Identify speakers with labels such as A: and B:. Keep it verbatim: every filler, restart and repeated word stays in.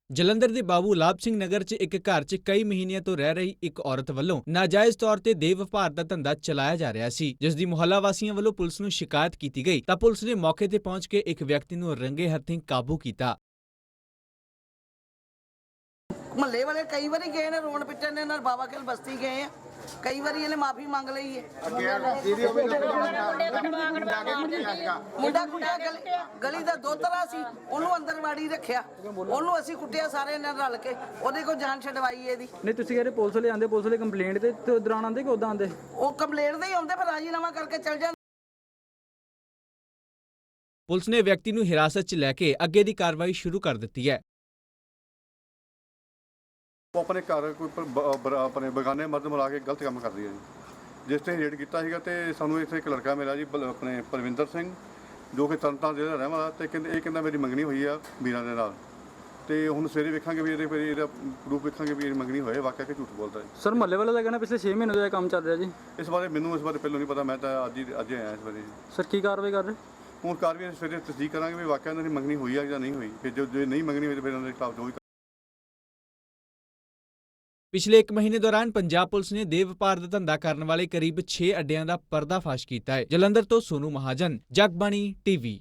A: ਜਲੰਧਰ ਦੇ ਬਾਬੂ ਲਾਭ ਸਿੰਘ ਨਗਰ 'ਚ ਇੱਕ ਘਰ 'ਚ ਕਈ ਮਹੀਨਿਆਂ ਤੋਂ ਰਹਿ ਰਹੀ ਇੱਕ ਔਰਤ ਵੱਲੋਂ ਨਾਜਾਇਜ਼ ਤੌਰ ਤੇ ਦੇਹ ਵਪਾਰ ਦਾ ਧੰਦਾ ਚਲਾਇਆ ਜਾ ਰਿਹਾ ਸੀ, ਜਿਸ ਦੀ ਮੁਹੱਲਾ ਵਾਸੀਆਂ ਵੱਲੋਂ ਪੁਲਿਸ ਨੂੰ ਸ਼ਿਕਾਇਤ ਕੀਤੀ ਗਈ ਤਾਂ ਪੁਲਿਸ ਨੇ ਮੌਕੇ ਤੇ ਪਹੁੰਚ ਕੇ ਇੱਕ ਵਿਅਕਤੀ ਨੂੰ ਰੰਗੇ ਹੱਥੀਂ ਕਾਬੂ ਕੀਤਾ।
B: ਮਹੱਲੇ ਵਾਲੇ ਕਈ ਵਾਰੀ ਗਏ ਨੇ ਰੋਣ ਪਿੱਟਣ ਨੇ ਨਾਲ ਬਾਬਾ ਖੇਲ ਬਸਤੀ ਗਏ ਆ, ਕਈ ਵਾਰੀ ਇਹਨੇ ਮਾਫੀ ਮੰਗ ਲਈ ਹੈ। ਮੁੰਡਾ ਕੁੱਟਿਆ ਗਲੀ ਗਲੀ ਦਾ ਦੋਤਰਾ ਸੀ, ਉਹਨੂੰ ਅੰਦਰ ਵਾੜੀ ਰੱਖਿਆ, ਉਹਨੂੰ ਅਸੀਂ ਕੁੱਟਿਆ ਸਾਰੇ ਨਾਲ ਰਲ ਕੇ, ਉਹਦੇ ਕੋਲ ਜਾਨ ਛਡਵਾਈ ਇਹਦੀ।
C: ਨਹੀਂ ਤੁਸੀਂ ਕਹਿੰਦੇ ਪੁਲਿਸ ਵਾਲੇ ਆਂਦੇ, ਪੁਲਿਸ ਵਾਲੇ ਕੰਪਲੇਂਟ ਤੇ ਦੌਰਾਨ ਆਂਦੇ ਕਿ ਉਦਾਂ ਆਂਦੇ?
B: ਉਹ ਕੰਪਲੇਂਟ ਦੇ ਹੀ ਆਉਂਦੇ, ਫਿਰ ਰਾਜੀਨਾਮਾ ਕਰਕੇ ਚਲ ਜਾਂਦੇ।
A: ਪੁਲਿਸ ਨੇ ਵਿਅਕਤੀ ਨੂੰ ਹਿਰਾਸਤ 'ਚ ਲੈ ਕੇ ਅੱਗੇ ਦੀ ਕਾਰਵਾਈ ਸ਼ੁਰੂ ਕਰ ਦਿੱਤੀ ਹੈ।
D: ਉਹ ਆਪਣੇ ਘਰ ਕੋਈ ਆਪਣੇ ਬਗਾਨੇ ਮਰਦ ਮਿਲਾ ਕੇ ਗਲਤ ਕੰਮ ਕਰਦੀ ਹੈ ਜੀ। ਜਿਸ ਤੇ ਰੇਡ ਕੀਤਾ ਸੀਗਾ ਤੇ ਸਾਨੂੰ ਇੱਥੇ ਇੱਕ ਲੜਕਾ ਮਿਲਿਆ ਜੀ, ਆਪਣੇ ਪਰਵਿੰਦਰ ਸਿੰਘ, ਜੋ ਕਿ ਤਰਨਤਾਰਨ ਜ਼ਿਲ੍ਹੇ ਦਾ ਰਹਿਣ ਵਾਲਾ, ਤੇ ਕਹਿੰਦੇ ਇਹ ਕਹਿੰਦਾ ਮੇਰੀ ਮੰਗਣੀ ਹੋਈ ਆ ਵੀਰਾਂ ਦੇ ਨਾਲ, ਤੇ ਹੁਣ ਸਵੇਰੇ ਵੇਖਾਂਗੇ ਵੀ ਇਹਦੇ ਫਿਰ ਇਹਦਾ ਪ੍ਰੂਫ ਵੇਖਾਂਗੇ ਵੀ ਇਹ ਮੰਗਣੀ ਹੋਏ ਵਾਕਿਆ ਕਿ ਝੂਠ ਬੋਲਦਾ ਹੈ।
C: ਸਰ ਮਹੱਲੇ ਵਾਲਾ ਦਾ ਕਹਿਣਾ ਪਿਛਲੇ ਛੇ ਮਹੀਨੇ ਤੋਂ ਇਹ ਕੰਮ ਚੱਲ ਰਿਹਾ ਜੀ।
D: ਇਸ ਬਾਰੇ ਮੈਨੂੰ ਇਸ ਬਾਰੇ ਪਹਿਲਾਂ ਨਹੀਂ ਪਤਾ, ਮੈਂ ਤਾਂ ਅੱਜ ਹੀ ਅੱਜ ਆਇਆ ਇਸ ਬਾਰੇ ਜੀ।
C: ਸਰ ਕੀ ਕਾਰਵਾਈ ਕਰ ਰਹੇ?
D: ਹੁਣ ਕਾਰਵਾਈ ਸਵੇਰੇ ਤਸਦੀਕ ਕਰਾਂਗੇ ਵੀ ਵਾਕਿਆ ਇਹਨਾਂ ਦੀ ਮੰਗਣੀ ਹੋਈ ਆ ਜਾਂ ਨਹੀਂ ਹੋਈ, ਫਿਰ ਜੋ ਜੇ ਨਹੀਂ ਮੰਗਣੀ ਹੋਈ ਤਾਂ ਫਿਰ ਇਹਨਾਂ ਦੇ ਖਿਲਾਫ ਜੋ ਵੀ।
A: ਪਿਛਲੇ ਇੱਕ ਮਹੀਨੇ ਦੌਰਾਨ ਪੰਜਾਬ ਪੁਲਿਸ ਨੇ ਦੇਹ ਵਪਾਰ ਦਾ ਧੰਦਾ ਕਰਨ ਵਾਲੇ ਕਰੀਬ ਛੇ ਅੱਡਿਆਂ ਦਾ ਪਰਦਾਫਾਸ਼ ਕੀਤਾ ਹੈ। ਜਲੰਧਰ ਤੋਂ ਸੋਨੂ ਮਹਾਜਨ, ਜਗਬਾਣੀ ਟੀਵੀ।